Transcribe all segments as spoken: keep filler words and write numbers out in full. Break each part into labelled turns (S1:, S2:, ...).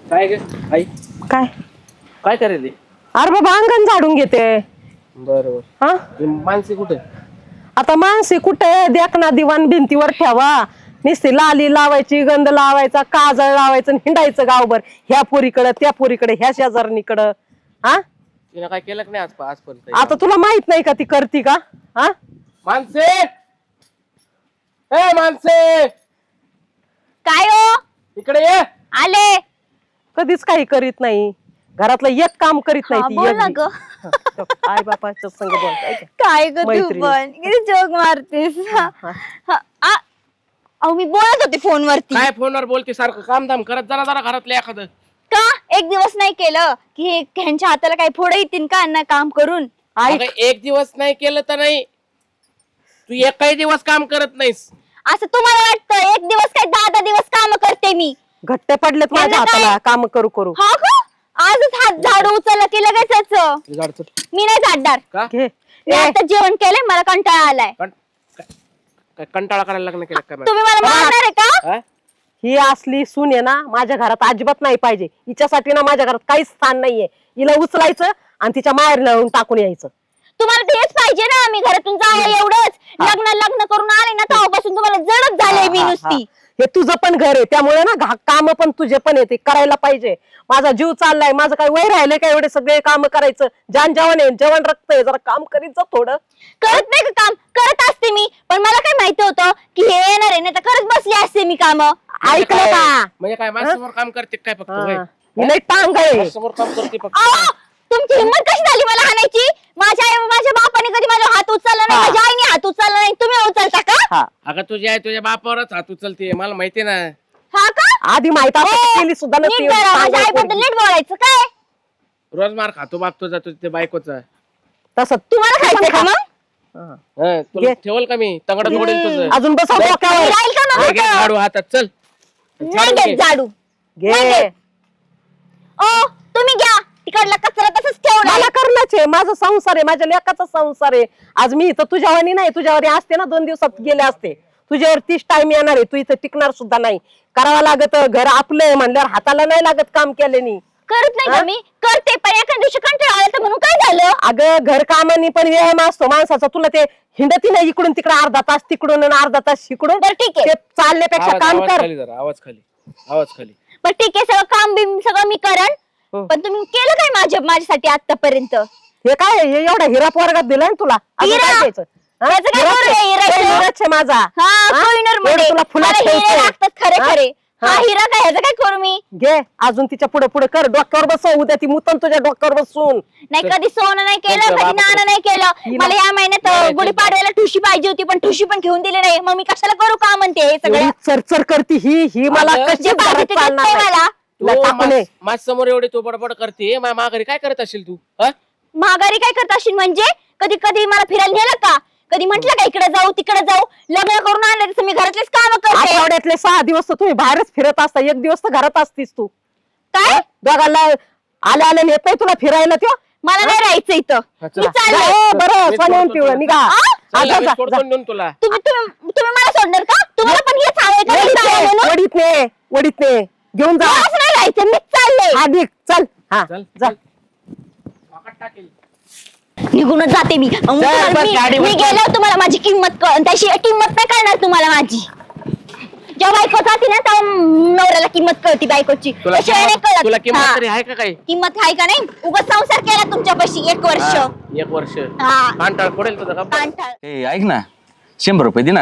S1: काय ग आई
S2: काय
S1: काय करेल?
S2: अरे बाबा अंगण झाडून घेते.
S1: बरोबर.
S2: हा
S1: मानसी कुठे?
S2: आता माणसे कुठे देखना दिवाण भिंतीवर ठेवा. नुसती लाली लावायची, गंध लावायचा, काजळ लावायचं, हिंडायचं गावभर ह्या पोरीकडं त्या पोरीकडे ह्या शेजारणीकडं. हा
S1: तिने काय केलं नाही आज आजपर्यंत?
S2: आता तुला माहित नाही का ती करती का? हा
S1: मानसे ए मानसे
S3: काय हो?
S1: इकडे ये.
S3: आले.
S2: कधीच काही करीत नाही. घरातलं एक काम करीत नाही
S3: हा,
S2: ती
S3: बोल
S2: एक
S3: ना
S2: बी.
S3: ग.
S2: आई बापाच्या संग बोलताय का?
S3: काय ग तू
S2: मैत्रीण.
S3: पण किती जोक मारतेस. हा, हा, आ, अहो मी बोलत होते फोनवरती.
S1: काय फोनवर बोलते सारखं? काम धाम करत जरा जरा घरातलं एखादं.
S3: का एक दिवस नाही केलं की हे ह्यांच्या हाताला काही फोड येतील का ना काम करून?
S1: अगं, एक दिवस नाही केलं तर नाही, तू एक काही दिवस काम करत नाहीस.
S3: असं तुम्हाला वाटतं? एक दिवस काय दहा दहा दिवस काम करते मी.
S2: घट्ट पडलेत माझ्या
S3: यांना काय?
S2: हाताला काम करू करू.
S3: हा का? आजच हात झाडू उचलला की लगेच
S1: झाड चल.
S3: मी नाही झाडणार.
S1: का?
S2: घे.
S3: मी
S2: ए,
S3: आता जेवण केलंय, मला कंटाळा आलाय.
S1: कं- काय काय कंटाळा करायला लग्न केलं काय?
S3: तुम्ही मला मारणार आहे का?
S1: हा?
S2: ही असली सून आहे ना माझ्या घरात अजिबात नाही पाहिजे. हिच्यासाठी ना माझ्या घरात काहीच स्थान नाहीये. हिला उचलायचं आणि तिच्या माहेर लावून टाकून यायचं.
S3: तुम्हाला तेच पाहिजे ना, मी घरातून जावं एवढंच. लग्न लग्न करून आले ना तेव्हापासून तुम्हाला जडच झाले मी
S2: हा, हा,
S3: नुसती.
S2: हे तुझं पण घर आहे त्यामुळे ना काम पण तुझे पण येते करायला पाहिजे. माझा जीव चाललाय, माझं काय वय राहिलंय का एवढे सगळे काम करायचं? जान जेवण आहे, जेवण रक्त आहे, जरा काम करीत जा थोडं.
S3: करत नाही का काम? करत असते मी, पण मला काय माहिती होतं की हे येणार आहे, नाही तर करत बसली असते मी काम.
S2: ऐकलं का?
S1: म्हणजे काय माझ्यासमोर काम करते काय फक्त? होय?
S2: हा. ही लई टांग आहे.
S1: माझ्यासमोर काम करते फक्त.
S3: तुमची हिंमत कशी झाली मला हाणायची? माझ्या आई माझ्या बापाने कधी माझा हात उचलला नाही,
S2: हा.
S3: माझ्या आईने हात उचलला नाही. तुम्ही उचलता का?
S2: हा.
S1: अगं तुझी आई तुझ्या बापावरच हात उचलते, मला माहिती ना.
S3: हा का?
S2: आधी माहित
S3: ए,
S2: केली सुद्धा नसती
S3: नीट
S2: एवढी
S3: जरा माझ्या
S2: चांगली
S3: आईबद्दल
S2: पोरगी.
S3: नीट बोलायचं काय?
S1: रोज मार खातो बाप तुझा, तुझ्या ते बायकोचा.
S2: तसं
S3: तुम्हाला खायचं का मग?
S2: हा.
S1: हं, तुला
S2: घे.
S1: ठेवल का मी? तंगड जोडेल तुझं.
S2: अजून बसव डोक्यावर.
S3: राहील का मग?
S1: हे घे झाडू हातात, चल.
S3: नाही
S1: झाडू घे.
S3: घेत झाडू. नाही
S2: घे.
S3: घेत. ओ तुम्ही घ्या, तिकडला कचरा तसंच ठेवला.
S2: मला करणंच आहे, माझा संसार आहे, माझ्या लेकाचा संसार आहे. आज मी इथं तुझ्यावानी नाही, तुझ्यावानी असते ना दोन दिवसात गेले असते. तुझ्यावर तीच टाइम येणार आहे, तू इथं टिकणार सुद्धा नाही. करावं लागत, घर आपलं आहे म्हणल्यावर हाताला नाही लागत काम केल्याने.
S3: करत नाही
S2: हा?
S3: का मी? करते, पण एका दिवशी कंटाळा आला तर म्हणून काय झालं?
S2: अगं घर कामानी पण व्यायाम असतो माणसाचा. तुला ते हिंडती नाही इकडून तिकडे अर्धा तास तिकडून आणि अर्धा तास इकडून.
S3: बरं ठीक आहे,
S2: ते चालण्यापेक्षा
S1: आवाज
S2: काम
S1: आवाज
S2: कर.
S1: खाली जरा, आवाज खाली, आवाज खाली.
S3: बरं ठीक आहे, सगळं काम बिम सगळं मी करण.
S2: हो.
S3: पण तुम्ही केलं काय माझ्या माझ्यासाठी आतापर्यंत?
S2: हे काय हे एवढा हिरा पोरगात दिलाय ना तुला? अजून
S3: हिरा?
S2: काय द्यायचं? हा?
S3: त्याचं काय
S2: हिराच
S3: करू
S2: आहे.
S3: रे हिराचं?
S2: हे हिराच आहे माझा.
S3: हा
S2: हा?
S3: कोहिनूर
S2: एवढं
S3: मध्ये
S2: तुला फुलात
S3: मला हिरे
S2: ठेवतोय.
S3: लागतात खरे
S2: हा?
S3: खरे. हा
S2: हा.
S3: हिरा काय, ह्याचं काय करू मी?
S2: घे अजून तिच्या पुढे पुढे कर. डोक्यावर बसव, उद्या ती मुतन तुझ्या डोक्यावर बसून.
S3: नाही कधी सोनं नाही केलं,
S1: तुमच्या
S3: कधी
S1: बापाकडे.
S3: नाणं नाही केलं.
S2: हिला-
S3: मला या महिन्यात
S1: नाही,
S3: अं, गुढीपाडव्याला ठुशी पाहिजे होती, पण ठुशी पण घेऊन दिली नाही. मग मी कशाला करू का म्हणते हे सगळं?
S2: एवढी चरचर करती ही ही मला
S1: अगं,
S2: कशी
S3: जे पाहिजे ते
S2: चालणार
S3: देते
S2: नाही.
S3: मला.
S2: तुला टाकू नये.
S1: माझ समोर एवढी तू बडबड करते, माझ्या माघारी काय करत असेल तू? हा?
S3: माघारी काय करत असशील म्हणजे? कधी कधी मला फिरायला नेलं का? कधी म्हटलं का इकडे जाऊ तिकडे जाऊ? लग्न करून आणलं तसं मी घरातलेच काम करते.
S2: आठवड्यातले सहा दिवस तर तुम्ही बाहेरच फिरत असता, एक दिवस तर घरात असतीस तू.
S3: काय?
S2: दोघांना आल्या आल्या नेत नाही तुला फिरायला त्यो.
S3: मला नाही राहायचं इथं.
S1: हा,
S3: मी
S1: चला.
S3: चालले.
S2: हो, बरं
S1: मीच
S2: सोन्याहून
S1: सोडतो
S2: पिवळं
S1: तुला.
S2: निघा.
S3: आ?
S2: हा,
S1: चल,
S2: जा,
S1: आम्ही
S2: जा,
S1: सोडतो
S2: जा.
S1: नेऊन तुला.
S3: तुम्ही तुम्ही तुम्ही मला सोडणार का? तुम्हाला पण हेच हवंय का? मी
S2: वडीत
S3: जावं
S2: ने,
S3: म्हणून?
S2: वडीत ने, वडीत ने. घेऊन जा.
S3: मला असं नाही राहायचं, मीच चालले.
S2: हा निघ, चल. हा
S1: चल,
S2: जा.
S1: चल. वाकड टाकेल.
S3: निघूनच जाते मी. मग तुम्हाला
S2: बस,
S3: मी
S2: गाडीवर
S3: मी गेल्यावर तुम्हाला माझी किंमत कळ, त्याशी किंमत नाही कळणार तुम्हाला माझी. जेव्हा बायको जाते ना तेव्हा नवऱ्याला किंमत कळती बायकोची.
S1: तुला
S3: त्याशिवाय नाही
S1: किंमत- तुला
S3: कळत.
S1: किंमत
S3: हा.
S1: तरी आहे का काही?
S3: किंमत आहे का नाही? उगाच संसार केला तुमच्यापाशी एक वर्ष.
S1: हा, एक वर्ष
S3: हा.
S1: कांटाळ पडेल तुझा का?
S3: कांटाळ.
S4: ए ऐक ना, शंभर रुपये दे ना.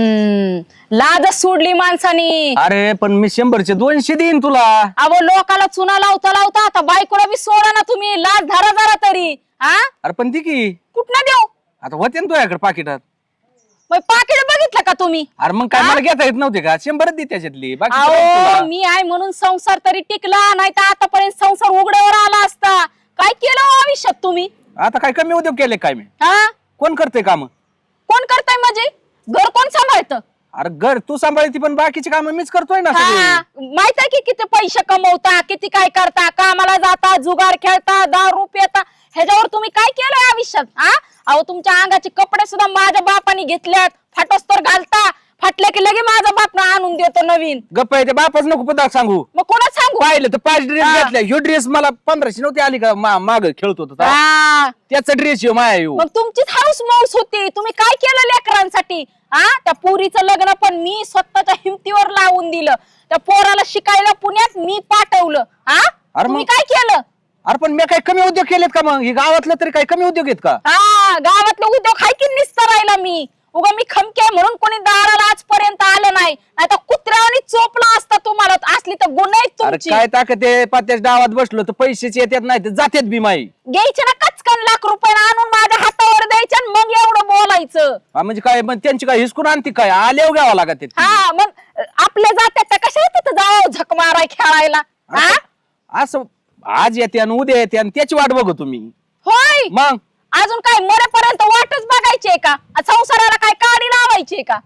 S5: हम्म लाजच सोडली माणसानी.
S4: अरे पण मी शंभरचे दोनशे देईन तुला.
S5: अहो लोकाला चुना लावता लावता आता बायकोला बी सोडा ना तुम्ही. लाज धरा जरा तरी. हा
S4: अरे पण ती की
S5: कुठनं देऊ?
S4: आता होते ना तुझ्याकडे पाकिटात.
S5: मग पाकिट बघितलं का तुम्ही?
S4: अरे मग काय मला घेता येत नव्हते का? शंभरच दे त्याच्यातली बाकी
S5: अहो मी आहे म्हणून संसार तरी टिकला, नाही तर आतापर्यंत संसार उघड्यावर आला असता. काय केलं हो आयुष्यात तुम्ही?
S4: आता काय कमी उद्योग केले काय मी?
S5: हा
S4: कोण करते काम?
S5: कोण करताय म्हणजे? घर कोण सांभाळतं?
S4: अरे घर तू सांभाळती पण बाकीची काम मीच करतोय ना सगळी.
S5: हा माहित आहे की किती पैसे कमवता, किती काय करता, कामाला जाता, जुगार खेळता, दारू पिता. ह्याच्यावर तुम्ही काय केलंय आयुष्यात? हा अहो तुमच्या अंगाचे कपडे सुद्धा माझ्या बापाने घेतल्यात. फाटोस्तर घालता, फाटले की लगे माझा बाप आणून आणून देतो नवीन.
S4: गप्प आहे ते बापाच नको पदार्थ सांगू.
S5: मग कोणाच सांगू?
S4: पाहिलं तर पाच ड्रेस घेतल्या. ह्यो ड्रेस मला पंधराशे नव्हती आली का माग खेळत होतो तेव्हा.
S5: हा.
S4: त्याचा ड्रेस येऊ माया येऊ.
S5: मग तुमचीच हाऊस मौस होती. तुम्ही काय केलं लेकरांसाठी? हा, त्या पोरीचं लग्न पण मी स्वतःच्या हिमतीवर लावून दिलं. त्या पोराला शिकायला पुण्यात मी पाठवलं. हा,
S4: अरे
S5: तुम्ही
S4: मग-
S5: काय केलं?
S4: अरे पण मी काही कमी उद्योग केलेत का मग? हे गावातलं तरी काही कमी उद्योग आहेत का?
S5: हा, गावातले उद्योग हाय की निस्तरायला मी. उगा मी खमके म्हणून कोणी दाराला आजपर्यंत आलं नाही. आता कुत्र्यावानी चोपला असता तुम्हाला. असली तर गुन्हा आहेत
S4: अरे
S5: तुमची.
S4: काय ताकद आहे? पात्याच्या डावात बसलो तर पैसेच येतात नाही तर जातात बी माई.
S5: घ्यायचे ना कचकन लाख रुपये आणून माझ्या हातावर द्यायचे आणि मग एवढं बोलायचं.
S4: हा, म्हणजे काय मग त्यांची काय हिसकून आणते काय? आल्यावर घ्यावं लागत.
S5: हा, मग आपल्या जात्यात तर कशा तिथं जावं झक माराय खेळायला? हा,
S4: असं आज येते आणि उद्या येते आणि त्याची वाट बघू तुम्ही.
S5: होय.
S4: मग
S5: अजून काय मरेपर्यंत वाटच बघायची का? संसाराला काय काडी लावायची का?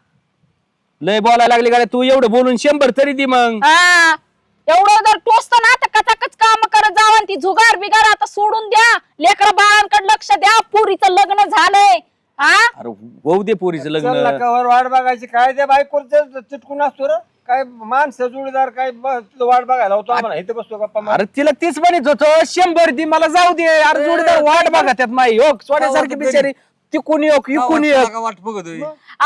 S4: लय बोलायला लागली गाड्या तू. एवढं बोलून शंभर तरी दे मग.
S5: हा, एवढं जर टोचतं ना तर कचाकच काम करत जावं आणि ती जुगार बिगार आता सोडून द्या. लेकरा बाळांकडे लक्ष द्या. पुरीचं लग्न झालंय. हा,
S4: अरे होऊ दे पोरीचं
S6: चल
S4: लग्न.
S6: नकावर वाट बघायची काय त्या बायकोचं चिटकून असतो रे. काय माणसं जोडीदार काय ब- तुला वाट बघायला होतो आम्हाला इथे बसतो गप्पा मारत.
S4: अरे तिला तीच म्हणत होतो शंभर दे मला जाऊ दे. अरे जोडीदार वाट बघा त्यात माई. हो सोन्यासारखी बिचारी तिकून येऊ इकून येऊ.
S6: वाट बघतोय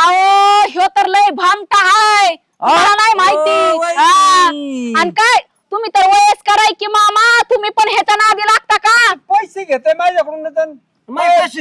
S5: अहो ह्यो तर लय भामटा हाय. मला नाही माहिती. हा, आणि काय तुम्ही तर वयस्कर आहे की मामा. तुम्ही पण ह्याच्या नादी लागता का?
S6: पैसे घेतोय माझ्याकडून तर
S7: पैसे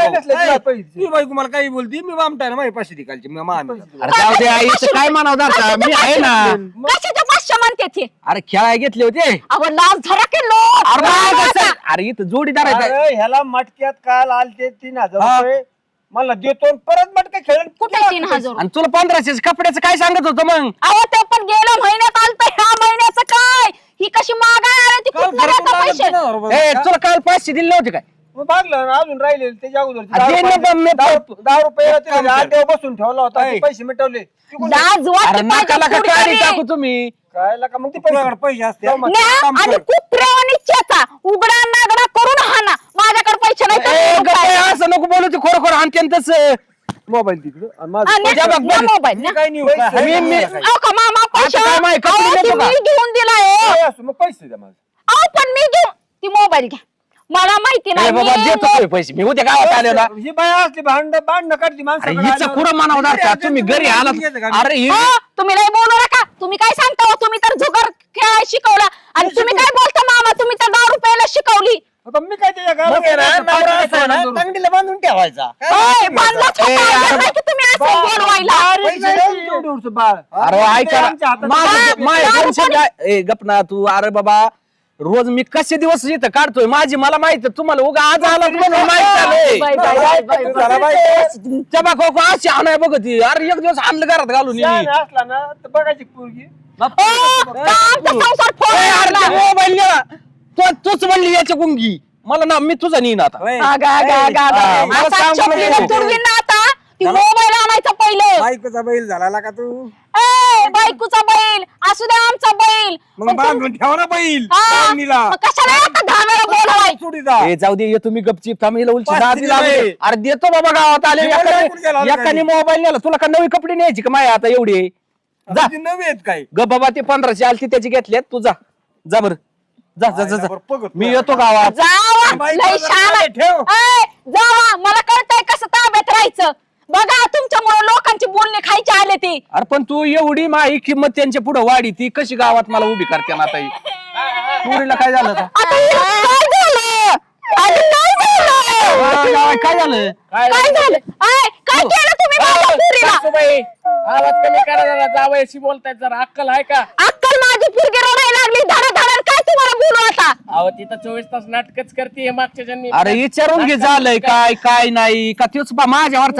S6: पैसे
S7: मी बायको मला काही बोलती मी वामटाय ना माझे पैसे निकालचे मी मान
S4: अरे जाऊ दे आई इथं काय म्हणावं दादा मी आहे ना.
S5: कशाच्या पाचशे म्हणते ते?
S4: अरे खेळाय घेतले होते.
S5: अहो लाज धरा की लोक.
S4: अरे बा, कसं? अरे इथं जोडीदार आहे.
S6: अरे ह्याला मटक्यात काल आलते तीन हजार
S4: हा.
S6: रुपये मला देतो आणि परत मटके खेळून
S5: कुठे तीन हजार?
S4: आणि तुला पंधराशे कपड्याचं काय सांगत होतं मग?
S5: अहो ते पण गेल्या महिन्यात आलत. ह्या महिन्याचं काय? ही कशी मागाय आली ती कुठं देता पैसे?
S4: ए तुला काल पाचशे दिले नव्हते काय?
S6: मग भागलं ना अजून राहिले त्याच्या अगोदर
S4: अरे दे ना मी-
S6: दहा रुपये होते म्हणजे आठ दिवस बसून ठेवला होता ते पैसे मिटवले तिकडून
S5: लाज
S4: अरे
S5: वाटते
S4: नका
S5: पाहिजे
S4: नका काढी
S5: कुठेतरी.
S4: टाकू तुम्ही.
S6: काय का मग ते पैसे
S7: पैसे असते
S6: जाऊ मग.
S5: न्या आणि कुत्र्यावानी चेचा उघडा नागडा करून हाना. माझ्याकडे पैसे नाही तर
S4: ए,
S5: देऊ
S4: गप्प
S5: काय?
S4: आहे, असं नको बोलू ते खरोखर आणते तसं.
S6: मोबाईल तिकडे आणि
S5: हा,
S6: माझं
S5: न्या,
S4: तुझ्या बघ,
S5: न्या
S4: बघ.
S5: मोबाईल न्या.
S6: काय नाही होत.
S4: मी-
S6: आहे
S4: मी-
S6: काय?
S5: अहो का मामा पैसे?
S4: आता काय माहिती, कपडे
S5: अहो,
S4: देतो
S5: ती
S4: का?
S5: मी घेऊन दिलाय.
S6: काय असो, मग पैसे द्या माझं.
S5: अहो पण मी घेऊन ती मोबाईल घ्या. मला माहिती
S4: ए,
S5: नाही.
S4: बाबा
S5: मी
S4: देतो
S5: मो-
S4: तुझे पैसे मी उद्या गावात आलो ना.
S6: ही बाया असली भांड भांडणं काढती
S4: अरे
S6: माणसाकडे
S4: हिचं कुठं म्हणावणार का तुम्ही घरी आलात? अरे हि-
S5: हो, तुम्ही नाही बोलू नका. तुम्ही काय सांगता हो? तुम्ही तर जुगार खेळायला शिकवला आणि तुम्ही काय बोलता मामा? तुम्ही तर दहा रुपयाला शिकवली.
S6: आता मी काय त्याच्या गावात
S7: मग आहे ना,
S6: जायचं,
S7: नवरा
S6: पाच
S7: असा आहे ना,
S6: रुपये
S7: तंगडीला बांधून ठेवायचा
S5: होय, बांधलाच होता.
S4: ए, अरे
S5: नाही की तुम्ही असं बोलवायला.
S6: पैसे नाही तेवढं होतं बाळ.
S4: अरे ऐका
S6: आमच्या हातात
S4: माझं
S5: बाप,
S4: माझं
S5: बाप,
S4: टेन्शन काय? ए गप ना तू. अरे बाबा रोज मी कसे दिवस इथं काढतोय माझी मला माहित. तुम्हाला उगा आज आलात म्हणून माहित झालंय.
S5: Bye, bye, bye, bye, bye.
S6: झाला बाई.
S4: चबा खोको अशी आणाय बघ ती. अरे एक दिवस आणलं घरात घालून ये.
S6: शहाणा असला ना तर बघायची पोरगी
S5: हो, का आमचा संसार फोड
S4: ए, अरे
S5: मारला?
S4: ते मोबाईल गेला. तू तूच म्हणली याच्या गुंगी मला ना मी तुझा नेईन आता.
S5: गा, गा, गा, गा, गा.
S4: हा, मला
S5: असा
S4: सांगू
S5: चपलीला
S4: नको.
S5: तुडवीन ना आता. ती मोबाईल आणायचा पहिलं.
S7: बायकोचा बैल झाला का तू
S5: ए, बायकोचा बैल असू द्या आमचा बैल.
S7: मग
S5: पण तुम-
S7: बांधून ठेवा ना बैल
S5: हा,
S7: बांधणीला.
S5: मग कशाला आता दहा वेळा बोलवाय?
S7: चुडीदा
S4: ए जाऊ दे ये तुम्ही गपचीप थांब हिला उलची
S7: पाच
S4: दादी
S7: दिले
S4: लागली.
S7: बाई.
S4: अरे देतो बाबा गावात आले.
S7: जेवण
S4: एकाने-
S7: कुठे गेला होता
S4: एकाने
S7: घरी?
S4: मोबाईल नेला. तुला का नवी कपडे न्यायची का माया आता एवढी? जा
S7: तुझी नवी आहेत काय
S4: ग बाबा ते पंधराशे आलती त्याची घेतल्यात. तू जा जा बर जा जा जा,
S7: बरं,
S4: जा
S7: बघत
S4: मी येतो गावात.
S5: जावा
S7: बाई,
S5: लय
S7: जरा
S5: शान आहे.
S7: ठेव.
S5: ए, जावा मला कळतंय कसं ताब्यात राहायचं. बघा तुमच्यामुळे लोकांची बोलणी खायची आले ती.
S4: अरे पण तू एवढी माही किंमत त्यांच्या पुढे वाढी ती कशी गावात मला उभी करते ना आता ही? पुरीला काय झालं आता?
S5: आता हे काय झालं? अरे काय झालं?
S4: अरे गावात काय झालं?
S5: काय झालं? ए, काय केलं तुम्ही माझ्या पुरीला?
S1: सासूबाई, आवाज कमी करा जरा. जावयाशी बोलतायत जरा. अक्कल आहे का?
S5: अक्कल माझी पुरगी रडायला लागली. धडा धडा काय तुम्हाला बोलू आता?
S1: अहो तिथं चोवीस तास नाटकच करते मागच्या जन्मी.
S4: अरे विचारून घे झालंय काय काय नाही का तेच बा माझ्यावरचा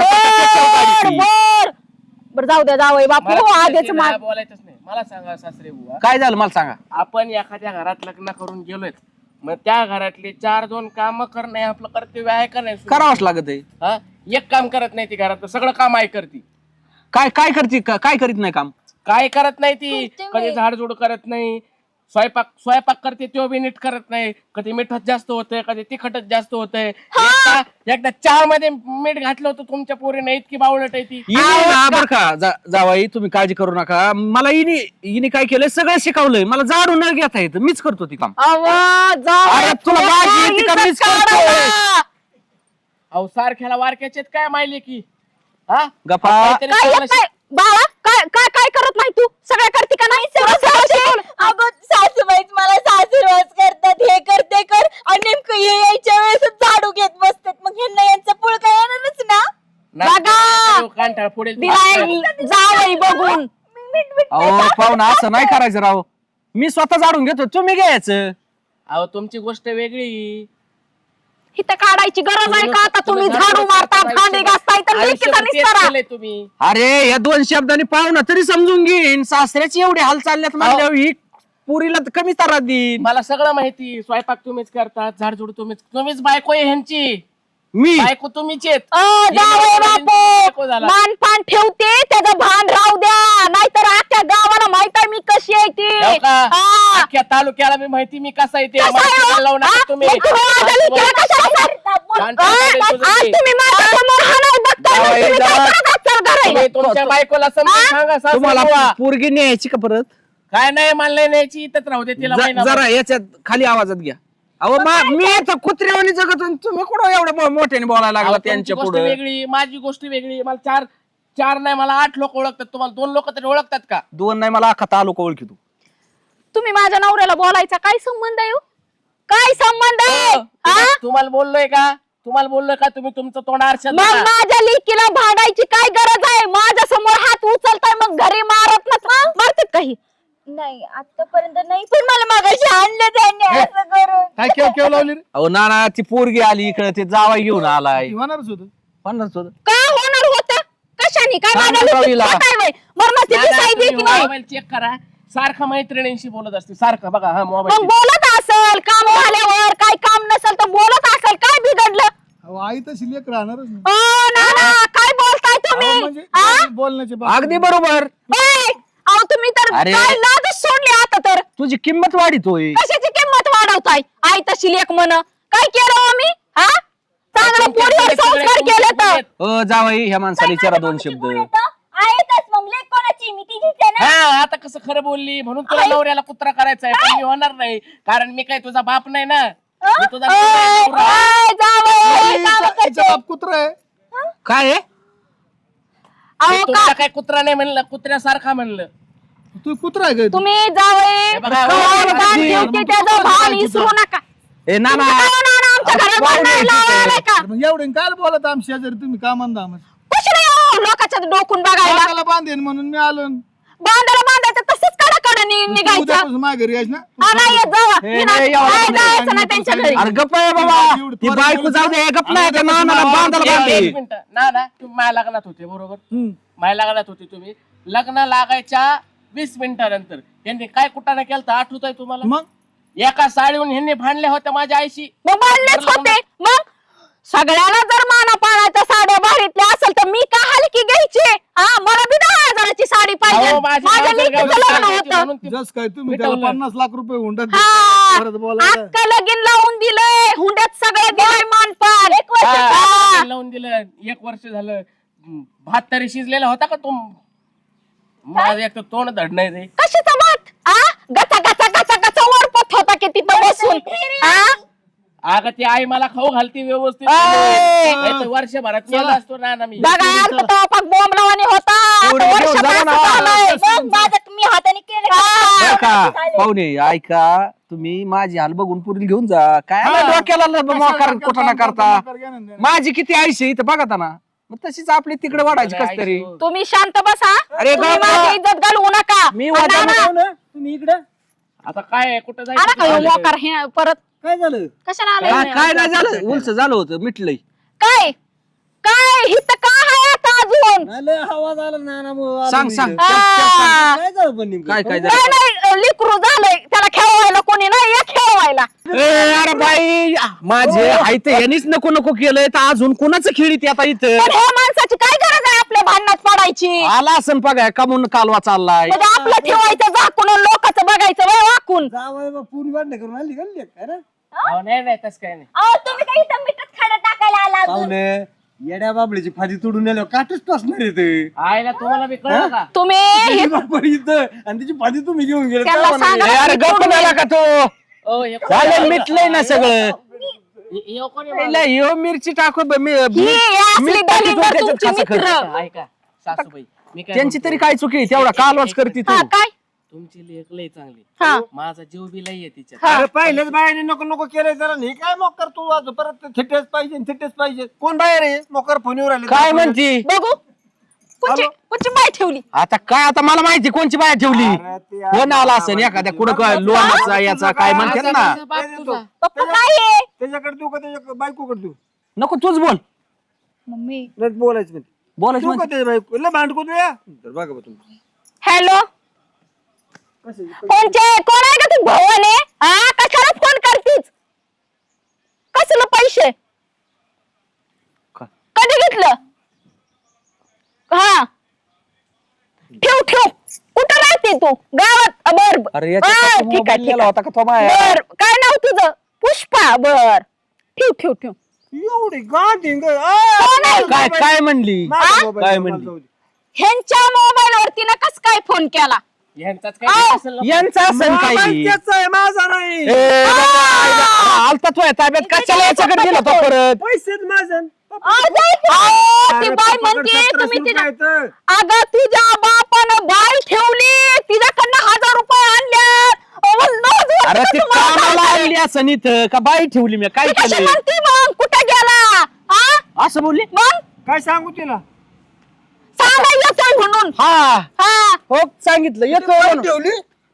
S5: बर बर बर जाऊ द्या जावई बापू.
S1: मला
S5: हो,
S1: तुमच्याशी
S5: आधीच
S1: नाही
S5: मा-
S1: बोलायचंच नाही. मला सांगा सासरे बुवा,
S4: काय झालं मला सांगा.
S1: आपण एखाद्या घरात लग्न करून गेलोय मग त्या घरातले चार दोन काम करणं हे आपलं कर्तव्य आहे का नाही?
S4: करावंच लागत आहे.
S1: हा, एक काम करत नाही ती घरात सगळं काम आहे करती.
S4: काय काय करते का- काय करीत नाही काम?
S1: काय करत नाही ती. कधी झाडझूड करत नाही. स्वयंपाक स्वयंपाक करते तो बी नीट करत नाही. कधी मिठच जास्त होतंय, कधी तिखटच जास्त होतंय. एकदा एकदा चहा मध्ये मीठ घातलं होतं तुमच्या पोरीने, इतकी बावळट आहे ती.
S4: इनी ना बर का जा- जावाई तुम्ही काळजी करू नका. मला इनी इनी काय केलंय सगळं शिकवलंय. मला झाडून न घेता येतं, मीच करतो ती काम. अरे तुला बाजी येते का? मीच करतोय.
S1: अहो सारख्याला वारक्याचे काय माहिले की हा
S4: गप्पा.
S1: काहीतरी
S5: काय
S1: चांगलं
S5: येत नाही बाळा? काय काय काय करत नाही तू? सगळं करते का नाही?
S3: अगं सासूबाईच मला सासूरवास करतात, हे कर ते कर, आणि नेमकं हे यायच्या वेळेस झाडू घेत बसतात. मग ह्यांना यांचं पुळ काय येणारच ना.
S1: बघा कांठाळ पुढे
S5: जावई बघून
S4: अहो पाहुणा असं नाही करायचं राव. मी स्वतः झाडून घेतो, तुम्ही घ्यायचं.
S1: अहो तुमची गोष्ट वेगळी.
S5: इथं काढायची गरज आहे का? आता तुम्ही झाडू मारता, भांडी घासताय, तर लेकीचा निस्तारा.
S1: केलंय तुम्ही.
S4: अरे या दोन शब्दांनी पाहुणा तरी समजून घेईन. सासऱ्याची एवढे हाल चालल्यात म्हणल्यावर ही पुरीला तर कमी तारा देईन.
S1: मला सगळं माहिती. स्वयंपाक तुम्हीच करतात, झाडझुड तुम्हीच, तुम्हीच बायको आहे ह्यांची.
S4: मी
S1: बायको तुम्हीच आहेत.
S5: अ, जावई बापू
S1: बायको झाला.
S5: मान पान ठेवते, त्याचं भान राहू द्या, नाहीतर अख्ख्या गावाला माहित आहे मी कशी आहे ती.
S1: हो का?
S5: हा.
S1: अख्ख्या तालुक्याला मी माहिती मी कसा येते.
S5: कसं आहे?
S1: लावू नका
S5: हा?
S1: तुम्ही.
S5: मग तुम्ही माझ्या लेकीला कशाला सर-
S1: शांत
S5: अ,
S1: बसायला तुझं
S5: आज
S1: ते.
S5: तुम्ही माझ्या समोर हाणाय बघताय, मग
S4: जावई,
S5: तुम्ही काय
S4: जावई.
S5: करत आहात? चल घरी.
S1: तुम्ही तुमच्या बायकोला समजून सांगा सासू
S4: तुम्हाला
S1: बुवा.
S4: पोरगी न्यायची का परत?
S1: काय नाही मला नाही न्यायची, इथंच राहू दे तिला
S4: ज-
S1: महिनाभर.
S4: जरा याच्यात खाली आवाजात घ्या. अहो मा- मी तर कुत्र्यावानी जगत होतो, तुम्ही कुठं एवढं मो- मोठ्याने बोलायला लागला
S1: अहो, तुमची
S4: त्यांच्या
S1: गोष्ट
S4: पुढे.
S1: वेगळी, माझी गोष्ट वेगळी. मला चार चार नाही मला आठ लोक ओळखतात. तुम्हाला दोन लोक तरी ओळखतात का?
S4: दोन नाही मला अख्खा तालुका ओळखी तू.
S5: तुम्ही माझ्या नवऱ्याला बोलायचा काय संबंध आहे हो? काय संबंध आहे हा?
S1: तुम्हा- तुम्हाला बोललोय का? तुम्हाला बोललोय का? तुम्ही तुमचं तोंड आरशात
S5: मग
S1: बघा.
S5: माझ्या लेकीला भांडायची काय गरज आहे? माझ्या समोर हात उचलताय, मग घरी मारत ना मारतात काही.
S3: नाही आतापर्यंत नाही, पण मला मागाशी आणलं त्यांनी असं करून.
S6: काय केव केव लावली रे?
S4: अहो ना ना ती पोरगी आली इकडे, ते जावाई घेऊन आलाय.
S6: होणारच होत.
S4: पन्नास होतं.
S5: काय होणार होतं? कशाने काय
S4: सांग
S5: माझ्या
S4: जावईला.
S5: लेकीला काय वय? मरणाची
S1: दादा,
S5: दिसाई दे
S1: तुम्ही
S5: की नाही?
S1: मोबाईल चेक करा. सारखं मैत्रिणींशी बोलत असते सारखं. बघा हा
S5: मग
S1: मोबाईल
S5: बोलत असेल, काम झाल्यावर काय काम नसेल तर बोलत असेल. काय बिघडलं?
S6: अहो, आई तशी लेकर राहणारच नाही.
S5: ओ ना ना, काय बोलताय
S6: अहो,
S5: तुम्ही
S6: म्हणजे
S5: हा?
S6: बोलण्याचे बाबतीत.
S4: अगदी बरोबर.
S5: ए, अहो तुम्ही तर
S4: अरे.
S5: काय लाजच सोडली आता तर.
S4: तुझी किंमत वाढीतोय.
S5: कशाची किंमत वाढवताय? आई तशी लेख म्हण. काय केलं हो मी हा? चांगलं पोरीवर संस्कार केले तर.
S4: अ जावाई ह्या माणसाला विचारा दोन शब्द.
S3: आहेतच मग लेक कोणाची, मी तिचीच आहे ना.
S1: हा आता कसं खरं बोलली म्हणून तुला नवऱ्याला कुत्रा करायचा आहे. पण मी होणार नाही, कारण मी काय तुझा बाप नाही ना. मी तुझा नवरा आहे,
S5: ओय,
S1: नवरा.
S5: ओय, जावई,
S6: हिचा-
S5: काम
S6: हिचा
S5: करते.
S6: बाप कुत्रा आहे.
S4: काय आहे?
S1: मी
S5: अहो,
S1: तुमचा
S5: का-
S1: काय कुत्रा नाही म्हणलं, कुत्र्यासारखा म्हणलं.
S6: तू कुत्रा आहे काय?
S5: तुम्ही जावई
S1: हे बघा,
S5: कवाल
S1: बघा,
S5: दान
S6: बघा,
S5: ठेवते,
S6: बघा,
S5: त्याचं
S6: बघा,
S5: भान
S6: बघा,
S5: विसरू नका.
S4: ए ना ना
S5: तुमचं काय होणार आमच्या घरात
S4: पाहुणे
S5: भांडण
S4: येते.
S5: लावायला का?
S6: मग एवढे काय बोलत आम शेजारी तुम्ही कामांदा
S5: कशी नाही हो, लोकांच्या डोकून बघायला.
S6: बांधेन म्हणून मी आलो.
S5: बांधायला बांधायचं तसंच कडा निघायचं.
S6: उद्यापासून माझ्या घरी यायच ना.
S5: हा, नाही येत जावा.
S4: हे
S5: मी
S4: नाही,
S5: नाही-
S4: एवढं
S5: नाही
S4: नाही.
S5: जायचं नाही त्यांच्या घरी.
S4: अरे गप्प आहे बाबा. ती बायको जाऊ दे, गप्प नाही का? ना ना बांधायला
S1: एक-
S4: बांधे.
S1: एक मिनिटं. ना ना तुम्ही माझ्या लग्नात होते बरोबर. माझ्या लग्नात होते तुम्ही. लग्न लागायच्या वीस मिनिटानंतर यांनी काय कुठाने केलं आठवत आहे तुम्हाला?
S6: मग
S1: एका साडीहून ह्यांनी भांडल्या होत्या माझ्या आईशी.
S5: मग बांधलेच होते. मग सगळ्याला जर माना पाण्याच्या साड्या भारीतल्या असेल तर मी का हलकी घ्यायची? हा, मला बी दहा हजाराची साडी पाहिजे.
S1: अहो, माझी
S5: माझ्या
S1: गावचं
S5: लेकीचं
S1: गावचं
S5: लग्न
S1: साडी
S5: होतं.
S1: म्हणून ती-
S6: जस काय तुम्ही त्याला
S1: मिटवलं.
S6: पन्नास लाख रुपये हुंडा
S5: हा,
S6: परत बोलायला.
S5: अक्का लगीन लावून दिलंय, हुंड्यात सगळं दिलंय मानपान. एक वर्ष
S1: हा,
S5: हा.
S1: लावून दिलं. एक वर्ष झालं. हम्म, भात तरी शिजलेला होता का तुम? माझं एक तर तोंड धड नाही रे.
S5: कशाचा भात? हा, गचा गचा गचा गचा वरपत होता की तिथं बसून. हा?
S1: अगं ती आई मला खाऊ घालती व्यवस्थित.
S5: अय.
S1: नाहीतर वर्षभरात मेला असतो ना ना मी.
S5: बघा यार, तो पाक बॉम्ब लावानी होता. आता
S4: एवढं
S5: वर्ष
S4: घेऊन जाऊ
S5: पास
S4: ना.
S5: झालंय.
S3: मग माझं मी हाताने केलं
S5: हा.
S4: बरं का पाहुणे ऐका, तुम्ही माझी हाल बघून पुढील घेऊन जा. काय आला डोक्याला ल- मोकार कुठं ना करता. माझी किती आयुष्य आहे इथं बघा ना. मग तशीच आपली तिकडे वाढायची कस तरी.
S5: तुम्ही शांत बसा.
S4: अरे
S5: तुम्ही
S4: बाबा.
S5: माझी इज्जत घालवू नका.
S4: मी
S5: आणि
S4: वाजा
S5: नाना,
S4: ना तुम्ही इकडे
S1: आता काय आहे, कुठं
S5: आला का ह्यो
S1: जायचं?
S5: मोकार हे परत
S7: काय झालं?
S5: कशाला
S4: काय
S5: आलाय?
S4: काय नाही झालं, उलस झालं होतं, मिटलंय.
S5: काय काय हित का आहे आता अजून?
S7: नाही, लय आवाज आला ना ना मग आलो
S4: सांग
S7: मी
S4: सांग
S7: इकडे.
S5: हा.
S7: काय झालं पण नेमकं?
S4: काय काय
S5: काय
S4: झालं?
S5: नाही लिकरू झालंय, त्याला खेळवायला कोणी नाही, या खेळवायला.
S4: ए, अरे बाई माझे आई तर यांनीच नको नको केलंय, तर अजून कोणाचं खेळीत आता इथं
S5: पण ह्या माणसाची काय गरज आहे आपल्या भांडणात पडायची?
S4: आला असं बघा कमून कालवा चाललाय.
S5: म्हणजे आपलं ठेवायचं झाकून आणि लोकांचं बघायचं वय वाकून.
S7: जावई बा पूर्ण वाटणं करून आली गल्ली काय रे
S1: अहो, नाही नाही तसं काय नाही.
S3: अहो तुम्ही काही इथं मिठच खाडा टाकायला आला अजून.
S7: पाहुणे येड्या बाबळीची फादी तोडून नेल्यावर काटच टोचणार आहे ते
S1: आईला तुम्हाला बी कळलं का?
S5: तुम्ही हे
S7: तिची बाप इथं आणि तिची फादी तुम्ही घेऊन गेले
S5: त्याला
S7: काय म्हणाले?
S5: सांगा.
S4: अरे गप्प झाला का तो
S1: ओ, हे कोण-
S4: चालेल मिटलंय ना सगळं
S1: हे- हे कोण आहे
S4: पहिला ह्यो मिरची टाकू ब- मी-
S5: ही
S4: मी-
S5: असली
S4: मीठ टाकी
S5: दलिंदर
S4: तो त्याच्यात
S5: तुमची
S4: खासा खर्च.
S5: मित्र.
S1: माझं? ऐका सासूबाई, मी काय
S4: त्यांची
S1: म्हणतो?
S4: तरी काय चुकी आहे? तेवढा कालवाच करते तू
S5: हा काय
S1: तुमची लेख लय चांगली,
S5: हा
S1: माझा जीव बी लय आहे तिच्यात.
S5: हा.
S6: अरे पहिलेच बायाने नको नको केलंय जरा हे काय मोकर तू आज परत थिटेच पाहिजे थिटेच पाहिजे कोण बाहेर आहे मोकर फोनवर आले
S4: काय म्हणती
S5: बघू कोणची कोणची बाय ठेवली.
S4: आता काय आता मला माहिती कोणची बाया ठेवली कोण आला असेल एखाद्या कुठं काय लोणाचा याचा काय म्हणतात ना
S1: माझा बाप तुझा.
S5: पप्पा काय आहे
S6: त्याच्याकडे देऊ का त्याच्या बायकोकडे देऊ
S4: नको तूच बोल
S5: मम्मी
S6: नाही बोलायचं म्हणते
S4: बोलायचं
S6: देऊ का
S4: म्हणजे.
S6: त्याच्या बायको लय भांडको तू या तर बघा बा तुम्ही
S5: हॅलो कोणचे कोण आहे का तू भवाने हा कशाला फोन करतीस कसलं पैसे
S4: का-
S5: कधी घेतलं हा ठेव ठेव कुठं राहते तू गावात अ, बर बर.
S4: अरे
S5: हा,
S4: याच्यात
S5: ठीक आहे
S4: मोबाईल
S5: ठीक
S4: नेला
S5: आहे
S4: होता का तो माया?
S5: बर काय नाव तुझं पुष्पा बर ठेव ठेव ठेव
S6: एवढी गांधी
S5: कोण आहे?
S4: काय काय म्हणली काय म्हणली?
S5: ह्यांच्या मोबाईल वरती ना कस काय फोन केला
S1: यांचाच काय असेल ना?
S4: यांचा असेल काही
S6: त्याच आहे माझा नाही
S4: ए, बाबा, आईला- आलता तो ताब्यात कशाला याच्याकडे गेला तो परत
S6: पैसेच माझं
S5: आ, जाय की. आ, ती बाय म्हणते तुम्ही तिच्या अगं तुझ्या बापानं बाय ठेवली तिच्याकडनं हजार रुपये आणल्यात अहो, नवस वर्ष
S4: अरे ती
S5: तुम्हाला
S4: कामाला
S5: सांगते.
S4: आणली असं इथं का बाई ठेवली मी काय
S5: ती कशी
S4: केलं
S5: म्हणते मग कुठे गेला हा
S4: असं बोलली
S5: मग
S6: काय सांगू तिला
S5: सांगा येतोय म्हणून
S4: हा
S5: हा
S4: हो सांगितलं येतो म्हणून.
S6: ठेवली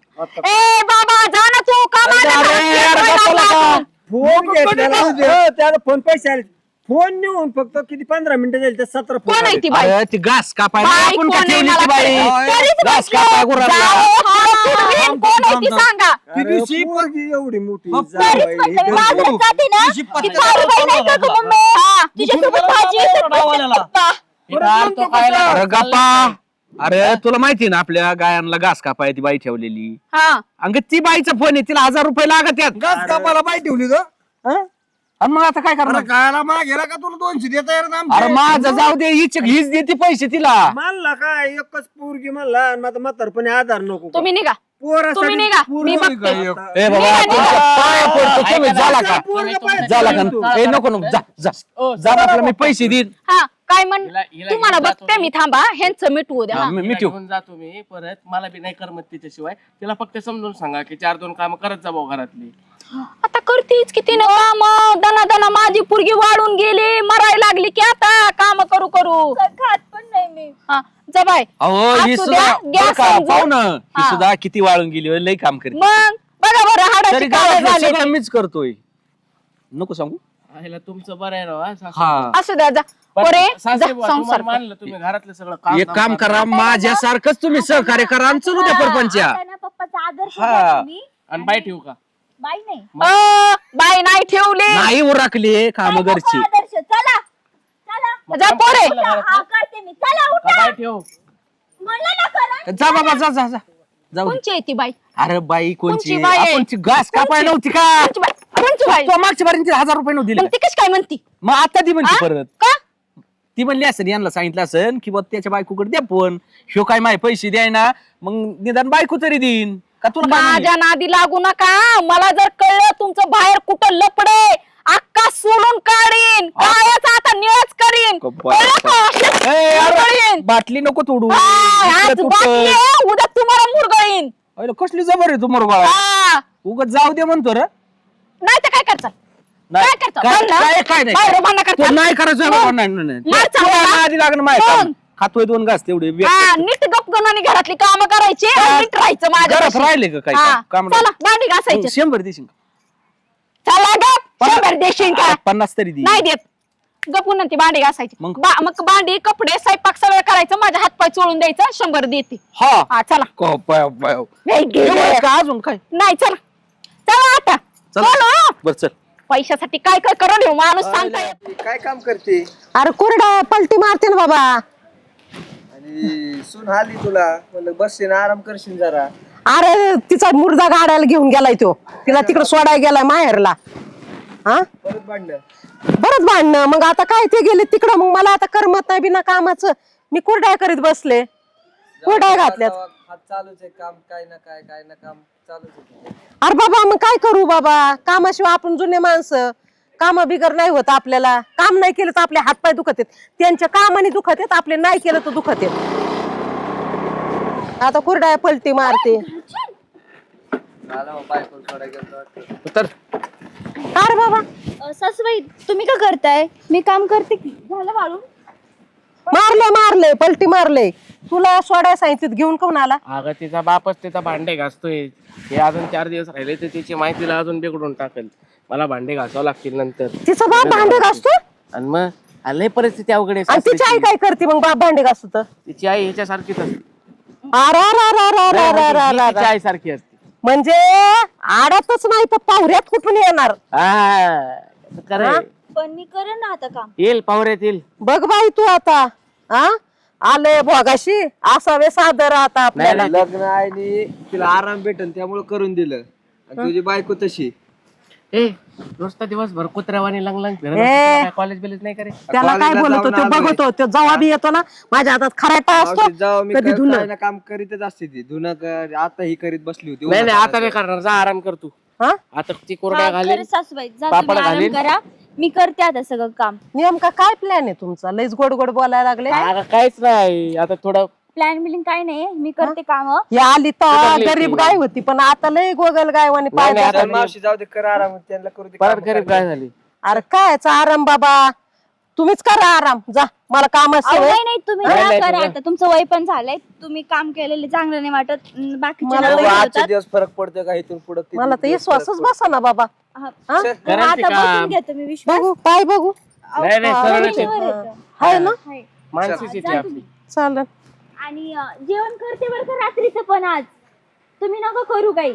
S5: ए बाबा जा ना तू कामाला
S4: अरे,
S5: जा.
S4: अरे,
S5: येतोय
S4: गप्पा
S5: ना
S4: नका.
S5: आपण.
S6: फोन घेतलेला हो, त्याला फोन पैसे आले फोन नेऊन फक्त किती पंधरा मिनिटं जाईल तर सतरा फोन
S5: कोण आहे
S6: आले.
S5: ती बाई
S4: अरे ती घास कापायला
S5: बाई
S4: आपण का
S5: कोण आहे
S4: ठेवली
S5: मला
S4: ती बाई
S5: कळलं. तरीच
S4: घास
S5: म्हटलं,
S4: कापाय गुरांना.
S5: जाओ, हा, पुढवीन कोण आहे ती सांगा
S6: ती
S7: अरे,
S6: दिवशी पोरगी एवढी मोठी
S3: तरीच
S6: जावई,
S3: म्हणते मी
S6: हे
S3: बाजारात जाते ना
S7: दिवशी
S3: ती
S7: पत्ता
S3: दारूबाई नाही का गं मम्मी हा, तिच्यासोबत भाजी येते पप्पा.
S1: हे काय तो काय
S4: अरे
S1: लागला?
S4: गप्पा अरे तुला माहिती ना आपल्या गायांना घास कापाय ती बाई ठेवलेली
S5: हा
S4: अंग ती बाईचा फोन आहे तिला हजार रुपये लागत आहेत
S7: घास कापायला बाई ठेवली तो
S4: आणि मग आता काय
S7: अरे
S4: करणार
S7: कायला माग गेला का तुला दोनशे देता येणार ना
S4: अरे
S7: आमचे?
S4: माझं जाऊ दे हीच हीच देते पैसे तिला
S6: म्हणला काय एकच पोरगी म्हणला आणि माझा म्हातारपणे आधार नको का?
S5: तुम्ही निघा
S6: पोरासाठी
S5: तुम्ही निघा
S6: पोरगी
S5: मी
S6: काय
S5: बघते
S6: एक-
S4: ए बाबा तुमच्या पाया पडतो तुम्ही
S1: ऐका ना,
S4: झाला का
S6: पोरगं पाहिजे.
S4: झाला का ए नको नको जा जा
S1: ओ,
S4: जा आपलं मी पैसे देईन
S5: हा काय म्हण
S1: हिला- हिला
S5: तुम्हाला
S1: घेऊन जातो
S5: बघते मी थांबा ह्यांचं मिटवू द्या
S4: हा,
S5: हा.
S4: मी
S1: तिला
S4: मिठू
S1: घेऊन जातो मी परत मला बी नाही करमत तिच्याशिवाय तिला फक्त समजून सांगा की चार दोन काम करत जा भाऊ घरातली.
S5: आता करतीच किती ना काम दना दना माझी पुरगी वाढून गेली मरायला लागली की आता काम करू करू
S3: खात पण नाही मी
S5: हा जा बाय
S4: अहो ही
S5: असू
S4: सुद्धा
S5: द्या,
S4: बरं
S5: गॅस
S4: का
S5: समजून.
S4: पाहू ना ही
S5: हा.
S4: सुद्धा किती वाळून गेली होय, लई काम करी
S5: मग बघा बरं
S4: तरी
S5: हाडाची काळं
S4: गावातलं
S5: झाली
S4: सगळं मीच करतोय नको सांगू
S1: आईला तुमचं बरं आहे राव, हा, सासू.
S4: हा
S5: असू द्या जा
S1: पण
S5: पोरे
S1: सासरे
S5: जा,
S1: बुवा,
S5: संसार
S1: तुम्हाला
S5: कर.
S1: मानलं तुम्ही घरातलं सगळं काम
S4: एक काम करा माझ्यासारखंच तुम्ही सहकार्य करा आणि चलू द्या परपंच्या
S3: आता ना पप्पाचा आदर्श
S4: हा.
S3: घ्या तुम्ही.
S1: आणि बाय ठेवू का?
S3: बाई नाही
S5: अ, बाई नाही ठेवली
S4: नाही उरकली काम
S3: काय
S4: घरची
S3: नको आदर्श चला चला
S1: मग
S5: जा
S1: काम
S5: पोरे.
S1: करायला घरातलं?
S3: हा करते मी चला
S1: का
S3: उठा
S1: बाय ठेव
S3: म्हणलं ना करा
S4: जा बाबा जा जा जा जाऊ दे.
S5: कोणची आहे ती बाई
S4: अरे बाई कोणची
S5: कोणची बाई आहे?
S4: आपण ती घास कापाय नव्हती का
S5: कोणची बाई कोणची बाई
S4: तो मागच्या बारीने तिला हजार रुपये नव्हते
S5: मग ती कशी काय म्हणती
S4: मग आता ती म्हणते
S5: आ?
S4: परत
S5: का
S4: ती म्हणली असेल यांना सांगितलं असेल की बा त्याच्या बायकोकडे द्या फोन ह्यो काय माय पैसे द्याय ना मग निदान बायको तरी देईन का तुला काय म्हणली?
S5: माझ्या नादी लागू नका मला जर कळलं तुमचं बाहेर कुठं लपडे अक्का सोडून काढीन कायच आता निळच करीन
S4: कप्पा.
S5: कळलं का? अशीच
S4: ए, अरे,
S5: मुरगळीन.
S4: बाटली नको तोडू
S5: हा,
S4: इकडे
S5: आज
S4: तुटल.
S5: बाटली आहे, उद्या तुम्हाला मुरगळीन
S4: अरे, कसली जबर आहे तुम्हाला गोळा
S5: हा.
S4: उगाच जाऊ दे म्हणतो रे
S5: नाही तर काय करचाल
S4: नाही
S5: काय करतो?
S4: काय
S5: भांडण?
S4: काय- काय नाही
S5: बाहेर भांडण करतो?
S4: तो नाही करायचं
S5: मग?
S4: बाबा, नाही नाही, नाही
S5: मार
S4: तुला
S5: चावला?
S4: आधी लागणं माहिती
S5: मग?
S4: आहे. खातोय दोन घास तेवढे
S5: हा, नीट गपगनाने घरातली कामं करायची आणि नीट राहायचं
S4: घरात
S5: माझ्या
S4: राहिले का काय
S5: हा,
S4: काम
S5: चला भांडी घासायची
S4: शंभर देशील का?
S5: चला गप शंभर देशील का
S4: पन्नास तरी दे
S5: नाही देत गपून ती भांडी घासायची
S4: मग?
S5: बा- मग भांडी कपडे स्वयंपाक सगळं करायचं माझ्या हातपाय चोळून द्यायचं शंभर देते
S4: हा
S5: हा चला
S4: को- पाय- पाय.
S5: नाही गेले.
S4: एवढंच का अजून काय
S5: नाही चला चला आता
S4: चल
S5: चला
S4: बर चल
S5: पैशासाठी काय काय करून येऊ माणूस सांगता येत
S6: काय काम करते
S2: अरे कोरडा पलटी मारते ना बाबा
S6: आणि सून आली तुला म्हणलं बसशील आराम करशील जरा
S2: अरे तिचा मुर्दा गाड्याला घेऊन गेलाय तो, तिला तिकडे सोडायला गेलाय माहेरला. हा बरंच भांडणं. मग आता काय ते गेले तिकडं, मग मला आता करमत नाही बिना कामाचं. मी कुरड्या करीत बसले, कुरड्या घातल्यात.
S4: चालूच आहे काम, काय ना काय काय ना काम चालूच आहे.
S2: अरे बाबा मग काय करू बाबा, कामाशिवाय आपण जुने माणसं, काम बिगर नाही होत आपल्याला. काम नाही केलं तर आपले हातपाय दुखत आहेत, त्यांच्या कामाने दुखत आहेत, आपले नाही केलं तर दुखत आहेत. आता कुरड्या पलटी मारते.
S1: तर
S2: अरे बाबा
S3: अ, सासूबाई तुम्ही का करताय? मी काम करते की. झालं वाळून?
S2: मारले मारले पलटी मारले. तुला सोडाय सांगितलं घेऊन कोण आला?
S1: अगं तिचा बापच तिचा भांडे घासतोय. हे अजून चार दिवस राहिले तर तिची माहितीला अजून बिघडून टाकेल. मला भांडे घासावं लागतील नंतर.
S2: तिचा बाप भांडे घासतो
S1: आणि मग आलंय परिस्थिती अवघड आहे
S2: आणि तिची आई
S1: सासऱ्याची.
S2: काय करते मग बाप भांडे घासतो तर?
S1: तिची आई ह्याच्यासारखीच असते.
S2: अरे अरे अरे अरे अरे अरे अरे
S1: तिची
S2: अरे.
S1: आई सारखी असते.
S2: म्हणजे आडातच नाही तर पाहुऱ्यात कुठून येणार?
S1: हा, खरंय.
S3: पण मी करेन ना आता काम.
S1: येईल पावऱ्यात येईल.
S2: बघ बाई तू आता हा आले भोगाशी असावे सादर आता आपल्याला.
S4: लग्न आहे तिला आराम भेटन त्यामुळे करून दिलं. आणि तुझी बायको तशी
S1: ए नुसता दिवसभर कुत्र्यावानी लंग लंग
S2: ए.
S1: कॉलेज बिलेज नाही करे.
S2: त्याला काय
S4: कॉलेजला
S2: बोलतो
S4: जाऊन
S2: तो
S4: आलोय.
S2: बघतो तो जवाबी येतो ना माझ्या हातात खराटा असतो
S4: मावशी, जेव्हा मी
S2: कधी
S4: काय-
S2: धुणं
S4: काय ना काम करीतच असते ती धुणं कर. आता ही करीत बसली होती.
S1: नाही नाही आता नाही करणार, जा आराम कर तू.
S2: हा
S1: आता ती कोरड्या
S3: हा,
S1: घालीन.
S3: खरंच सासूबाई जा
S1: पापड
S3: तुम्ही आराम
S1: घालीन.
S3: करा. मी करते आता सगळं काम.
S2: नेमका काय प्लॅन आहे तुमचा? लयच गोड गोड बोलायला लागले.
S1: अगं, काहीच नाही आता थोडं
S3: प्लॅन बिलिंग काय नाही, मी करते काम.
S2: ही आली तर
S1: सुधारली
S2: गरीब
S1: ती.
S2: गाय होती पण आता लय गोगल गायवानी
S1: नाही,
S2: पाय
S1: नाही,
S2: टाकत.
S1: आता
S4: चल मावशी जाऊ दे, कर आराम त्यांना करू दे.
S1: परत
S4: कामं
S1: गरीब
S4: करते.
S1: काय झाली.
S2: अरे कायचा आराम बाबा, तुम्हीच करा आराम. जा मला काम
S3: अहो,
S2: सवय.
S3: नाही नाही तुम्ही
S1: नाही,
S3: जा
S1: नाही,
S3: करा
S1: तुम्ही-
S3: आता. तुमचं वय पण झालंय, तुम्ही काम केलेले चांगलं नाही वाटत. अं, बाकीचे
S2: मला
S3: ना
S4: बघू,
S3: वय
S4: आजचे
S3: होतात.
S4: दिवस फरक पडतो का इथून पुढे?
S2: मला तर विश्वासच बसा ना बाबा.
S3: हा.
S2: हा?
S1: करायचं
S3: आता
S1: काम.
S3: बसून घ्या तुम्ही विश्वास.
S2: बघू पाय बघू
S1: नाही नाही
S2: हा,
S1: सरळच आहे.
S3: वर येतं.
S2: आहे ना
S3: हाय.
S1: मानसीच येते आपली.
S2: चालेल.
S3: आणि अं, जेवण करते बरं का रात्रीचं पण आज. तुम्ही नका करू काही.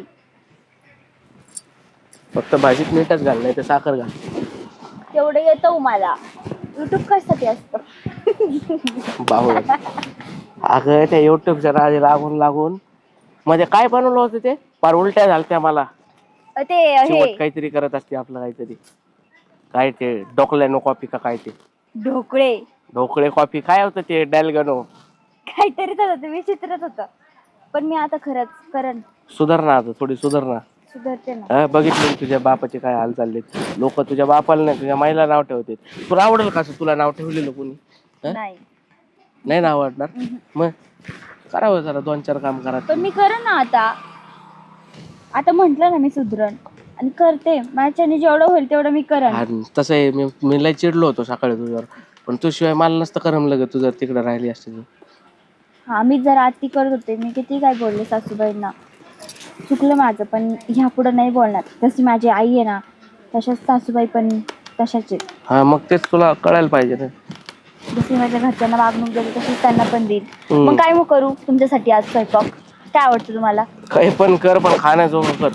S1: फक्त भाजीत मीठच घाल, नाही तर साखर घाल.
S3: तेवढं येतं मला. युट्यूब कशासाठी असतं?
S1: बाहुळ. अगं त्या युट्यूबच्या नादी लागून लागून मध्ये काय बनवलं होतं ते फार उलट्या झालत्या मला.
S3: अं, ते हे
S1: शेवट काहीतरी करत असते आपलं काहीतरी. काय ते डोकलॅनो कॉफी का काय ते
S3: ढोकळे
S1: ढोकळे कॉफी काय होतं ते डॅलगनो.
S3: काहीतरीच होतं ते, विचित्रच होतं. पण मी आता खरंच करण
S1: सुधारणा आता थोडी सुधारणा.
S3: सुधारते ना.
S1: हा, बघितलं ना तुझ्या बापाचे काय हाल चाललेत. लोक तुझ्या बापाला नाही तुझ्या माईला नाव ठेवते. तुला आवडेल का असं तुला नाव ठेवलेलं कोणी? हं?
S3: नाही
S1: नाही नाव आवडणार. मग करावं जरा दोन चार काम करा.
S3: पण मी करण ना आता. आता म्हंटल ना मी सुधरण आणि करते. माझ्याने जेवढं होईल तेवढं मी करण.
S1: आणि तसं आहे मी मी लय चिडलो होतो सकाळी तुझ्यावर, पण तुझ्याशिवाय मला नसतं करमलं ग तू जर तिकडे राहिली असते तर.
S3: हा मी जरा आत्ती करत होते. मी किती काय बोलले सासूबाईंना. चुकलं माझं, पण ह्या पुढं नाही बोलणार. जशी माझी आई आहे ना तशाच सासूबाई पण तशाच आहेत.
S1: हा मग तेच तुला कळायला पाहिजे ना.
S3: जशी माझ्या घरच्यांना वागणूक दिली तशीच त्यांना पण देईल.
S1: हम्म.
S3: मग काय मग करू तुमच्यासाठी आज स्वयंपाक? काय आवडतं तुम्हाला?
S1: काही पण कर पण खाण्याजोगं कर.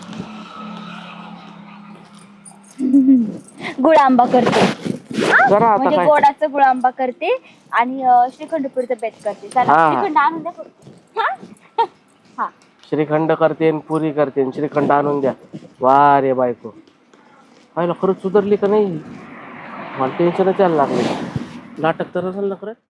S3: गुळ आंबा करते. हा?
S1: जरा आता
S3: म्हणजे
S1: काय
S3: गोडाचा गुळ आंबा करते आणि अं, श्रीखंडपुरीचं बेत करते. चला
S1: हा.
S3: श्रीखंड आणून द्या फक्त. हा? हा
S1: श्रीखंड करते आणि पुरी करते आणि श्रीखंड आणून द्या. वा रे बायको, पाहिलं खरंच सुधारली का नाही? मला टेन्शनच यायला लागले. नाटक तर असेल ना खरं.